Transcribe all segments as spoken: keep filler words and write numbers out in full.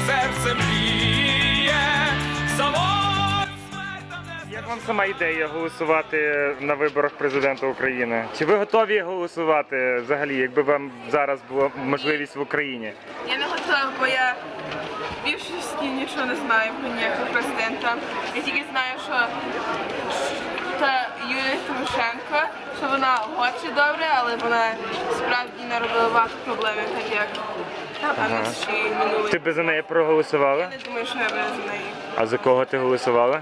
серце мріє, завод смерть. Як вам сама ідея голосувати на виборах президента України? Чи ви готові голосувати взагалі, якби вам зараз була можливість в Україні? Я не готова, бо я в більшості нічого не знаю про ніякого президента. Я тільки знаю, що та Юлія Тимошенко, що вона хоче добре, але вона справді наробила багато проблем, так як там інші минули. Ти би за неї проголосувала? Я не думаю, що я би за неї. А за кого ти голосувала?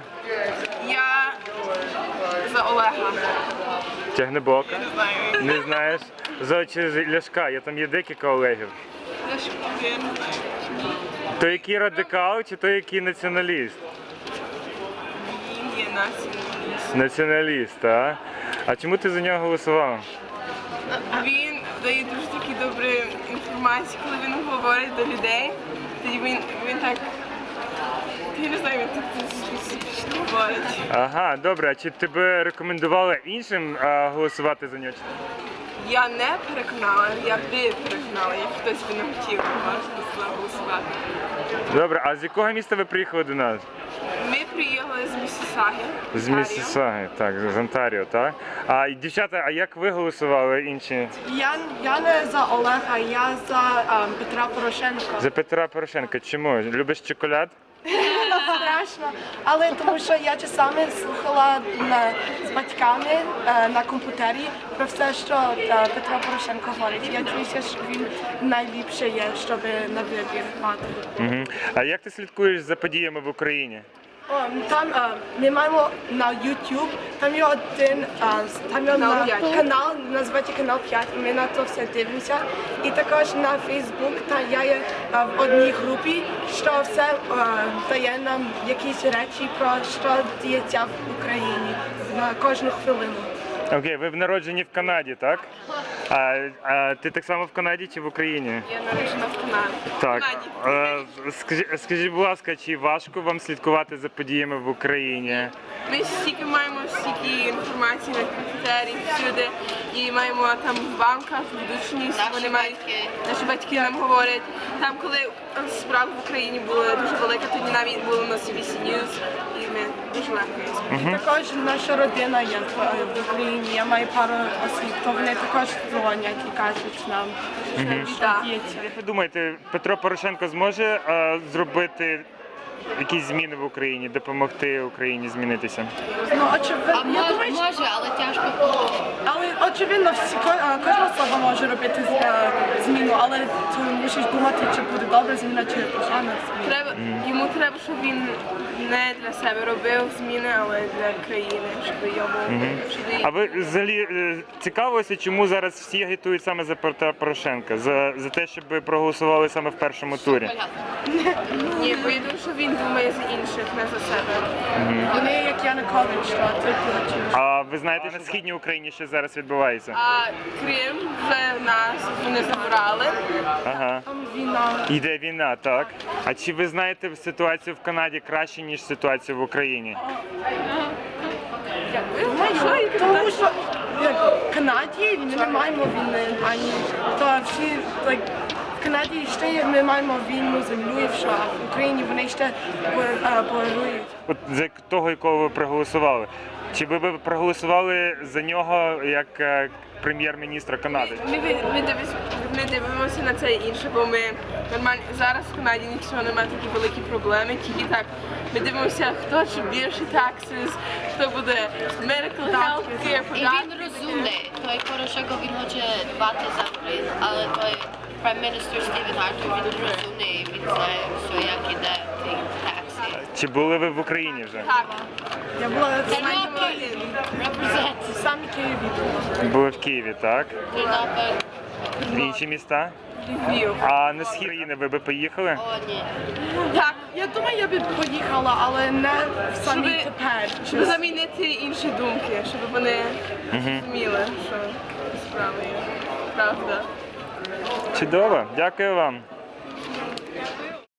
Я за Олега. Тягнебока? Я не знаю. Не знаєш? За чи Ляшка, я там є декілька Олегів. Я ж я не знаю. То який радикал, чи то який націоналіст? Він є націоналіст. Націоналіст, а? А чому ти за нього голосувала? Він дає дуже такі добрі інформації, коли він говорить до людей. Тоді він, він так, я не знаю, він так специфічно говорить. Ага, добре, а чи ти би рекомендувала іншим а, голосувати за нього? Я не переконала, я би переконала, як хтось би не хотів, можна голосувати. Добре, а з якого міста ви приїхали до нас? Ми приїхали з Міссісаги. З Міссісаги, так, з Онтаріо, так? А і, дівчата, а як ви голосували інші? Я, я не за Олега, я за ем, Петра Порошенка. За Петра Порошенка. Чому? Любиш чоколад? Страшно, але тому що я часами слухала на, з батьками е, на комп'ютері про все, що е, Петро Порошенко говорить. Я дивлюся, що він найліпше є, щоб на вибір мати. Угу. А як ти слідкуєш за подіями в Україні? О, там е, ми маємо на YouTube, там є один е, там є Канал на, п'ять. канал, називається канал п'ять, ми на то все дивимося. І також на Facebook, та я є е, в одній групі, що все е, дає нам якісь речі про що діється в Україні на кожну хвилину. Окей, ви в народжені в Канаді, так? А, а ти так само в Канаді чи в Україні? Я народжена в Канаді. Так. В Канаді. Е, скажіть, скажіть, будь ласка, чи важко вам слідкувати за подіями в Україні? Ми стільки маємо стільки інформації на комп'ютері всюди і маємо там в банках, ведучність, вони мають, наші батьки нам говорять. Там, коли справа в Україні була дуже велика, тоді навіть було на Сі Бі Сі News, і ми дуже легко її спілкуємося. Також наша родина є в, в Україні, я маю пару осіб, то вони також дзвонять і кажуть нам, що Так. діється. Як ви думаєте, Петро Порошенко зможе е, зробити якісь зміни в Україні, допомогти Україні змінитися? Ну, очевидно, А я може, думаю, що- може, але тяжко було. Але очевидно, всі ко- а, кожна особа може робити з- е, зміну, але ти мусиш думати, чи буде добра зміна, чи погана зміна. Треба, йому треба, щоб він не для себе робив зміни, але для країни, щоб йому щоб їй- А ви взагалі е, цікавилися, чому зараз всі агітують саме за Петра Порошенка? За, за те, щоб проголосували саме в першому турі? Ні, бо я думаю, що він думає за інших, не за себе. Вони, як Янукович, що ти хочеш. А ви знаєте, на східній Україні що зараз відбувається? А Крим вже в нас вони забрали. Ага. Там війна. Йде війна, так? А чи ви знаєте ситуацію в Канаді краще, ніж ситуацію в Україні? Думаю, тому що як, в Канаді ми не маємо війни, ані то всі like, в Канаді ще ми маємо війну землю, і що, а в Україні вони ще борують. От за того, якого ви проголосували. Чи ви б проголосували за нього як е, прем'єр-міністра Канади? Ми, ми, ми, дивимося, ми дивимося на це інше, бо ми нормально зараз в Канаді нічого немає такі великі проблеми, тільки так. Ми дивимося, хто чи більше taxes, хто буде medical health care, І він розумний. Той Порошенко, він хоче дбати за Україну, але той прем'єр-міністр Стівен Хартер, він розумний, він знає, що як іде ті такси. Чи були ви в Україні вже? Так. Я була в Тернопіль, represent. самі Києві. Були в Києві, так? Тернопіль. В інші міста? Львів. А на схід країни ви би поїхали? О, ні. Так, Я думаю, я б поїхала, але не в самі Щоби- тепер. щоб замінити інші думки, щоб вони розуміли, що справа є правда. Чудово, дякую вам.